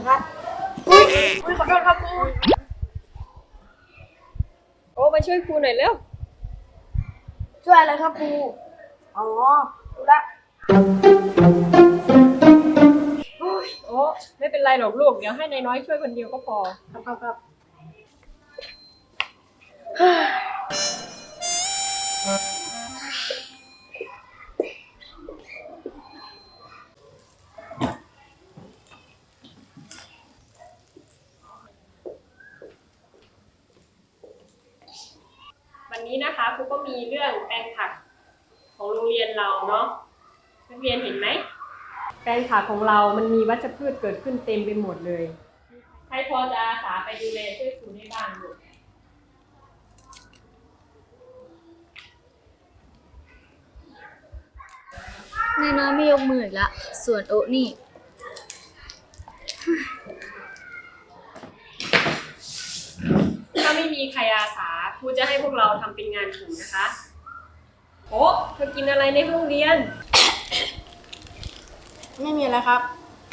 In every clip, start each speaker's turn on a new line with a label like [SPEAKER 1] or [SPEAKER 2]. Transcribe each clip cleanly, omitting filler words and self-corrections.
[SPEAKER 1] ครับอุ้ยขอโทษครับครู
[SPEAKER 2] โอ้มาช่วยครูหน่อยเร็ว
[SPEAKER 1] ช่วยอะไรครับครูอ๋อรู้ละ
[SPEAKER 2] โอ้ไม่เป็นไรหรอกลูกเดี๋ยวให้นายน้อยช่วยคนเดียวก็พอ
[SPEAKER 1] ครับ
[SPEAKER 2] วันนี้นะคะครูก็มีเรื่องแปลงผักของโรงเรียนเราเนาะนักเรียนเห็นไหมแปลงผักของเรามันมีวัชพืชเกิดขึ้นเต็มไปหมดเลยใครพอจะอาสาไปดูแลช่วยครูได้บ้างลูก
[SPEAKER 3] นายน้อยไม่ยกมืออีกละส่วนโอ๊นี่
[SPEAKER 2] ถ้าไม่มีใครอาสาครูจะให้พวกเราทำเป็นงานกลุ่มนะคะโอ้เธอกินอะไรในห้องเรียน
[SPEAKER 1] ไม่มีอะไรครับ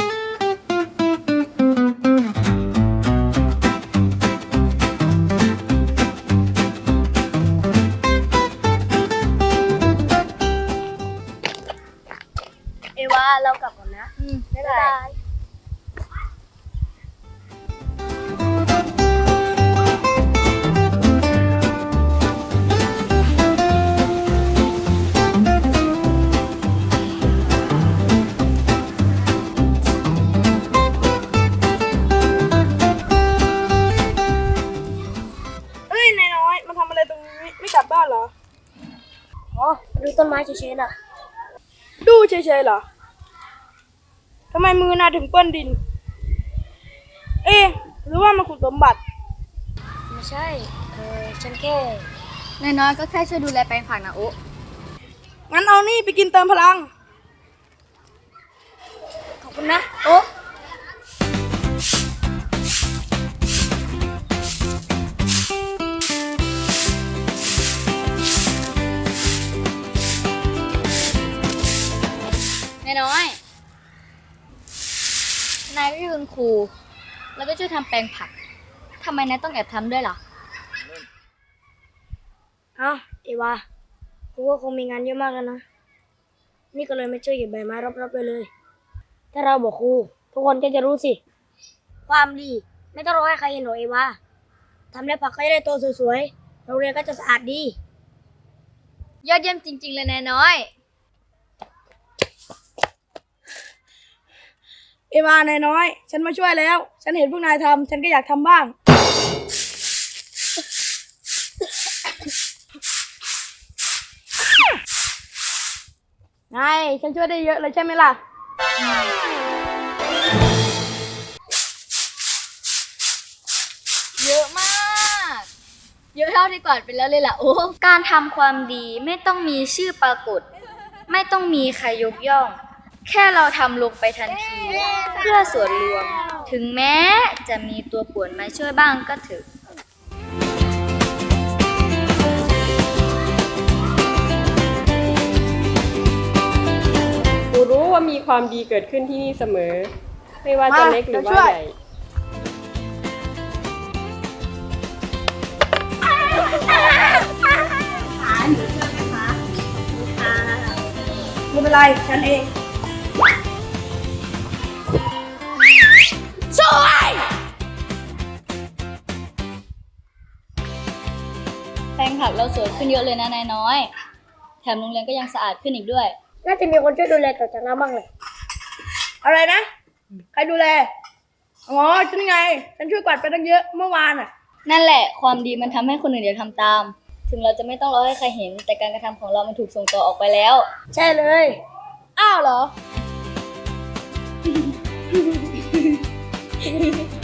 [SPEAKER 3] เอวาเรากลับก่อนนะบ๊ายบาย
[SPEAKER 1] เอ้ยนายน้อยมาทำอะไรตรงนี้ไม่กลับบ้านเหรออ๋อดูต้นไม้เฉยๆน่ะดูเฉยๆเหรอทำไมมือนายถึงเปื้อนดินเอ๊ะหรือว่ามันขุดสมบัติไม่ใช่ฉันแค่
[SPEAKER 3] นายน้อยก็แค่ช่วยดูแลแปลงผักนะโอ๊
[SPEAKER 1] งั้นเอานี่ไปกินเติมพลังขอบคุณนะโอ๊
[SPEAKER 3] นายน้อยนายก็คือคุณครูแล้วก็ช่วยทำแปลงผักทำไมนายต้องแอบทำด้วยล่ะ
[SPEAKER 1] เอวาครูก็คงมีงานเยอะมากแล้วนะนี่ก็เลยไม่ช่วยเก็บใบไม้รอบๆเลยถ้าเราบอกครูทุกคนก็จะรู้สิความดีไม่ต้องรอให้ใครเห็นหรอกเอวาทำแล้วผักก็จะได้โตสวยๆโรงเรียนก็จะสะอาดดี
[SPEAKER 3] ยอดเยี่ยมจริงๆเลยนายน้อย
[SPEAKER 1] เอวานายน้อยฉันมาช่วยแล้วฉันเห็นพวกนายทำฉันก็อยากทำบ้างไงฉันช่วยได้เยอะเลยใช่ไหมล่ะ
[SPEAKER 3] เยอะมากเยอะเท่าที่ก่อนไปแล้วเลยล่ะโอ้การทำความดีไม่ต้องมีชื่อปรากฏไม่ต้องมีใครยกย่องแค่เราทำลงไปทันทีเพื่อส่วนรวมถึงแม้จะมีตัวป่วนมาช่วยบ้างก็เถอะ
[SPEAKER 2] ครูรู้ว่ามีความดีเกิดขึ้นที่นี่เสมอไม่ว่าจะเล็กหรือว่าใหญ่
[SPEAKER 1] ไม่เป็นไรฉันเองช่วย
[SPEAKER 3] แปลงผักเราสวยขึ้นเยอะเลยนะนายน้อยแถมโรงเรียนก็ยังสะอาดขึ้นอีกด้วย
[SPEAKER 1] น่าจะมีคนช่วยดูแลต่อจากเราบ้างเลยอะไรนะใครดูแลอ๋อฉันไงฉันช่วยกวาดไปตั้งเยอะเมื่อวานอ่ะ
[SPEAKER 3] นั่นแหละความดีมันทำให้คนอื่นอยากทำตามถึงเราจะไม่ต้องรอให้ใครเห็นแต่การกระทำของเรามันถูกส่งต่อออกไปแล้ว
[SPEAKER 1] ใช่เลยอ้าวเหรอ